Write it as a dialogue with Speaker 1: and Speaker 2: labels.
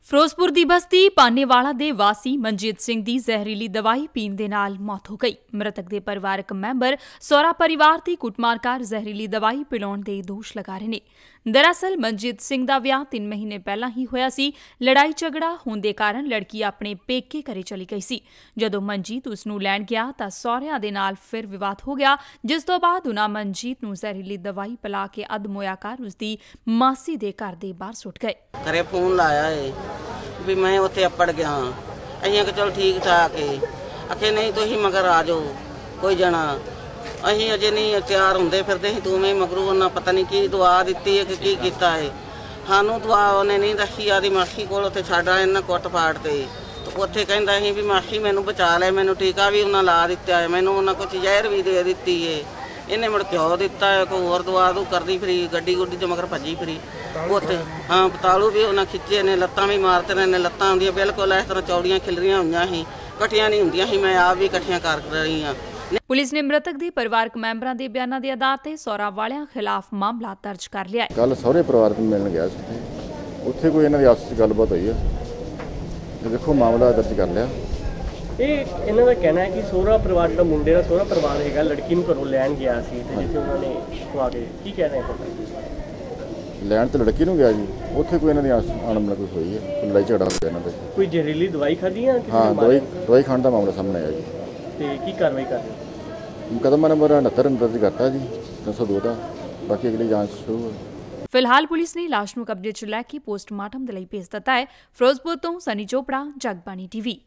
Speaker 1: ਫਿਰੋਜ਼ਪੁਰ ਦੀ ਬਸਤੀ ਪਾਨੇਵਾਲਾ ਦੇ ਵਾਸੀ ਮਨਜੀਤ ਸਿੰਘ ਦੀ ਜ਼ਹਿਰੀਲੀ ਦਵਾਈ ਪੀਣ ਦੇ ਨਾਲ ਮੌਤ ਹੋ ਗਈ। ਮ੍ਰਿਤਕ ਦੇ ਪਰਿਵਾਰਕ ਮੈਂਬਰ ਸਹੁਰਾ ਪਰਿਵਾਰ ਦੀ ਕੁੱਟਮਾਰ ਕਰ ਜ਼ਹਿਰੀਲੀ ਦਵਾਈ ਪਿਲਾਉਣ ਦੇ ਦੋਸ਼ ਲਗਾ ਰਹੇ ਨੇ। ਦਰਅਸਲ ਮਨਜੀਤ ਸਿੰਘ ਦਾ ਵਿਆਹ 3 ਮਹੀਨੇ ਪਹਿਲਾਂ ਹੀ ਹੋਇਆ ਸੀ। ਲੜਾਈ ਝਗੜਾ ਹੋਣ ਦੇ ਕਾਰਨ ਲੜਕੀ ਆਪਣੇ ਪੇਕੇ ਘਰੇ ਚਲੀ ਗਈ ਸੀ। ਜਦੋਂ ਮਨਜੀਤ ਉਸ ਨੂੰ ਲੈਣ ਗਿਆ ਤਾਂ ਸਹੁਰਿਆਂ ਦੇ ਨਾਲ ਫਿਰ ਵਿਵਾਦ ਹੋ ਗਿਆ, ਜਿਸ ਤੋਂ ਬਾਅਦ ਉਨ੍ਹਾਂ ਮਨਜੀਤ ਨੂੰ ਜ਼ਹਿਰੀਲੀ ਦਵਾਈ ਪਿਲਾ ਕੇ ਅਧਮੋਇਆ ਕਰ ਉਸ ਦੀ ਮਾਸੀ ਦੇ ਘਰ ਦੇ ਬਾਹਰ ਸੁੱਟ ਗਏ।
Speaker 2: ਘਰੇ ਫੋਨ ਲਾਇਆ ਏ ਵੀ ਮੈਂ ਉੱਥੇ ਅੱਪੜ ਗਿਆ। ਅਸੀਂ ਕਿ ਚਲ ਠੀਕ ਠਾਕ ਏ। ਆਖੇ ਨਹੀਂ ਤੁਸੀਂ ਮਗਰ ਆ ਜਾਓ ਕੋਈ ਜਣਾ। ਅਸੀਂ ਅਜੇ ਨਹੀਂ ਤਿਆਰ ਹੁੰਦੇ ਫਿਰਦੇ ਸੀ, ਤੂੰ ਮੈਂ ਮਗਰੂ ਉਹਨਾਂ ਪਤਾ ਨਹੀਂ ਕੀ ਦੁਆ ਦਿੱਤੀ ਹੈ ਕਿ ਕੀ ਕੀਤਾ ਹੈ। ਸਾਨੂੰ ਦੁਆ ਉਹਨੇ ਨਹੀਂ ਦੱਸੀ। ਆਦੀ ਮਾਸੀ ਕੋਲ ਉੱਥੇ ਛੱਡ ਆਏ ਇਹਨਾਂ ਕੁੱਟ ਪਾੜ ਤੇ ਉੱਥੇ ਕਹਿੰਦਾ ਸੀ ਵੀ ਮਾਸੀ ਮੈਨੂੰ ਬਚਾ ਲੈ, ਮੈਨੂੰ ਟੀਕਾ ਵੀ ਉਹਨਾਂ ਲਾ ਦਿੱਤਾ ਹੈ, ਮੈਨੂੰ ਉਹਨਾਂ ਕੁਝ ਜ਼ਹਿਰ ਵੀ ਦੇ ਦਿੱਤੀ ਹੈ। ਇਹਨੇ ਮੁੜ ਘਿਓ ਦਿੱਤਾ ਹੈ, ਕੋਈ ਹੋਰ ਦੁਆ ਦੂ ਕਰਦੀ ਫਿਰੀ, ਗੱਡੀ ਗੁੱਡੀ 'ਚ ਮਗਰ ਭੱਜੀ ਫਿਰੀ। ਉੱਥੇ ਹਾਂ ਪਤਾਲੂ ਵੀ ਉਹਨਾਂ ਖਿੱਚੇ ਨੇ, ਲੱਤਾਂ ਵੀ ਮਾਰਤੇ ਨੇ। ਲੱਤਾਂ ਹੁੰਦੀਆਂ ਬਿਲਕੁਲ ਇਸ ਤਰ੍ਹਾਂ ਚੌੜੀਆਂ ਖਿਲਰੀਆਂ ਹੋਈਆਂ ਸੀ, ਇਕੱਠੀਆਂ ਨਹੀਂ ਹੁੰਦੀਆਂ ਸੀ। ਮੈਂ ਆਪ ਵੀ ਇਕੱਠੀਆਂ ਕਰ ਰਹੀ ਹਾਂ।
Speaker 1: ਪੁਲਿਸ ਨੇ ਮ੍ਰਿਤਕ ਦੇ ਪਰਿਵਾਰਕ ਮੈਂਬਰਾਂ ਦੇ ਬਿਆਨਾਂ ਦੇ ਆਧਾਰ ਤੇ ਸਹੁਰਾ ਵਾਲਿਆਂ ਖਿਲਾਫ ਮਾਮਲਾ ਦਰਜ ਕਰ ਲਿਆ ਹੈ।
Speaker 3: ਕੱਲ ਸਹੁਰੇ ਪਰਿਵਾਰ ਨੂੰ ਮਿਲਣ ਗਿਆ ਸੀ, ਉੱਥੇ ਕੋਈ ਇਹਨਾਂ ਦੀ ਆਪਸ ਵਿੱਚ ਗੱਲਬਾਤ ਹੋਈ ਹੈ। ਦੇਖੋ ਮਾਮਲਾ ਦਰਜ ਕਰ ਲਿਆ।
Speaker 4: ਇਹ ਇਹਨਾਂ ਦਾ ਕਹਿਣਾ ਹੈ ਕਿ ਸਹੁਰਾ ਪਰਿਵਾਰ ਜਿਹੜਾ ਮੁੰਡੇ ਦਾ ਸਹੁਰਾ ਪਰਿਵਾਰ ਹੈਗਾ ਲੜਕੀ ਨੂੰ ਘਰੋਂ ਲੈਣ ਗਿਆ ਸੀ ਤੇ ਜਿੱਥੇ ਉਹਨਾਂ ਨੇ ਖਵਾ ਕੇ ਕੀ ਕਹਿ ਰਹੇ ਹੋ?
Speaker 3: ਲੈਣ ਤੇ ਲੜਕੀ ਨੂੰ ਗਿਆ ਜੀ, ਉੱਥੇ ਕੋਈ ਇਹਨਾਂ ਦੀ ਅਣਬਣ ਕੋਈ ਹੋਈ ਹੈ, ਕੋਈ ਲੜਾਈ ਝਗੜਾ ਹੋ ਗਿਆ ਇਹਨਾਂ ਦਾ। ਕੋਈ
Speaker 4: ਜ਼ਹਿਰੀਲੀ ਦਵਾਈ ਖਾਧੀ ਜਾਂ
Speaker 3: ਹਾਂ ਦਵਾਈ ਖਾਣ ਦਾ ਮਾਮਲਾ ਸਾਹਮਣੇ ਆਇਆ ਜੀ।
Speaker 4: ਤੇ ਕੀ ਕਾਰਵਾਈ ਕਰ ਰਹੇ ਹੋ?
Speaker 3: ਮੁਕੱਦਮਾ ਨੰਬਰ 69 ਦਰਜ ਕਰਤਾ ਜੀ 302 ਦਾ। ਬਾਕੀ ਅਗਲੀ ਜਾਂਚ ਸ਼ੁਰੂ ਹੈ।
Speaker 1: ਫਿਲਹਾਲ ਪੁਲਿਸ ਨੇ ਲਾਸ਼ ਨੂੰ ਕਬਜ਼ੇ 'ਚ ਲੈ ਕੇ ਪੋਸਟਮਾਰਟਮ ਦੇ ਲਈ ਭੇਜ ਦਿੱਤਾ ਹੈ। ਫਿਰੋਜ਼ਪੁਰ ਤੋਂ ਸਨੀ ਚੋਪੜਾ, ਜਗਬਾਣੀ ਟੀਵੀ।